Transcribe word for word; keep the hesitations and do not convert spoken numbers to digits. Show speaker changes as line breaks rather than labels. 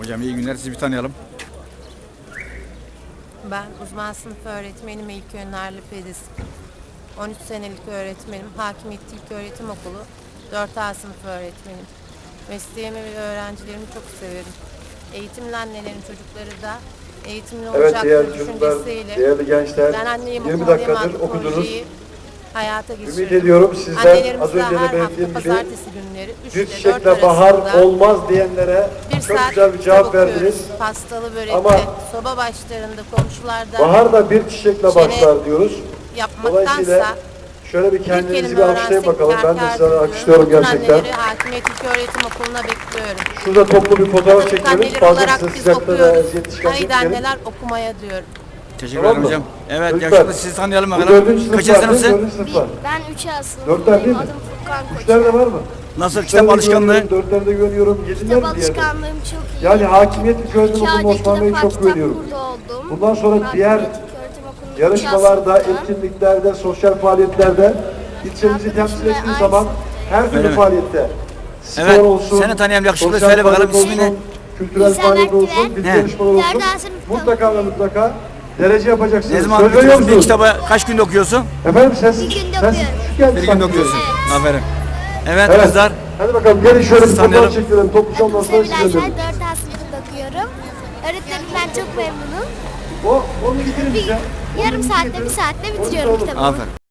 Hocam iyi günler, sizi bir tanıyalım.
Ben uzman sınıf öğretmenim İlk Önerli Pediz. on üç senelik öğretmenim. Hakimiyet İlköğretim Okulu dört A sınıf öğretmenim. Mesleğimi ve öğrencilerimi çok severim. Eğitimli annelerin çocukları da eğitimli
Evet
olacak
değerli çocuklar,
düşüncesiyle.
değerli gençler,
Ben anneyim
yirmi
okuldayım
dakikadır
adlı
okudunuz.
projeyi hayata geçirdim.
Ümit ediyorum sizler
Annelerimiz
az
de
önce de
her hafta
belirttiğim gibi
pazartesi günleri
bir
üçte dört
çiçekle bahar
arasında
olmaz diyenlere
bir
çok
saat
güzel bir
kitap
cevap
okuyoruz.
verdiniz.
Pastalı börekle,
Ama
soba başlarında, komşularda
bahar da bir çiçekle
Çene
başlar diyoruz.
yapmaktansa
Dolayısıyla şöyle bir
bir
kendinizi
kelime
bir alkışlayın
öğrensek
bakalım. Ben de
kâr
size
diyorum.
alkışlıyorum
Bütün
gerçekten.
anneleri Hakimiyet İlköğretim Okulu'na bekliyorum.
Şurada toplu bir fotoğraf
Çocuk
çekelim.
anneleri
Fazla
olarak
size
biz
sıcakta da
okuyoruz.
eziyet
Haydi
çıkartmayalım.
anneler okumaya diyorum.
Teşekkür
Tamam
ederim
mı?
hocam. Evet,
Çocuklar,
yakışıklı, sizi tanıyalım
Bu
bakalım.
dördüncü sınıflar
Kaçıncı
değil mi?
sınıfsın?
Dördüncü sınıflar.
Ben üç A
Dörtler değil
sınıfındayım.
mi?
Adım Furkan Koç.
Üçler de var mı?
Nasıl
Üçlerde
kitap alışkanlığı?
güveniyorum, Dörtlerde güveniyorum. Yediler
Kitap
mi diğerde?
alışkanlığım çok iyi.
Yani Hakimiyet İlköğretim
İki
Okulu
ayda iki
Osmanlı'ya
defa
çok
kitap
güveniyorum.
kurdu oldum.
Bundan sonra
Hakimiyet
diğer
İlköğretim Okulu'nun üç A
yarışmalarda,
sınıfındayım.
etkinliklerde, sosyal faaliyetlerde ilçemizi temsil
Arkadaşımla
ettiği
aynı
zaman
sınıftayım.
her
Öyle
türlü
mi?
faaliyette spor
Evet,
olsun,
seni tanıyan yakışıklı,
sosyal
söyle bakalım
faaliyet
ismini.
olsun, kültürel
İhsan
faaliyet olsun,
Akgüven.
bir
He.
yarışmalar olsun.
Dört A sınıfta
Mutlaka ve mutlaka derece yapacaksınız.
Ne zaman
Söz veriyor
bitiriyorsun bir
musunuz?
kitabı? Kaç günde okuyorsun?
Efendim ses,
Bir günde
ses
okuyorum.
küçük geldi
Bir günde
sanki.
okuyorsun.
Evet.
Aferin. Evet,
Evet.
kızlar.
Hadi bakalım gelin şöyle bir
Sizi
fotoğraf
tanıyalım.
çekelim. Topluca ondan
Adım
sonra
Sevilay
size
Şen,
dönün.
dört A sınıfında okuyorum. Öğretmenimden çok memnunum.
O, onu getirin
Bir
bize.
yarım saatte, bir saatte bitiriyorum kitabımı.
Aferin.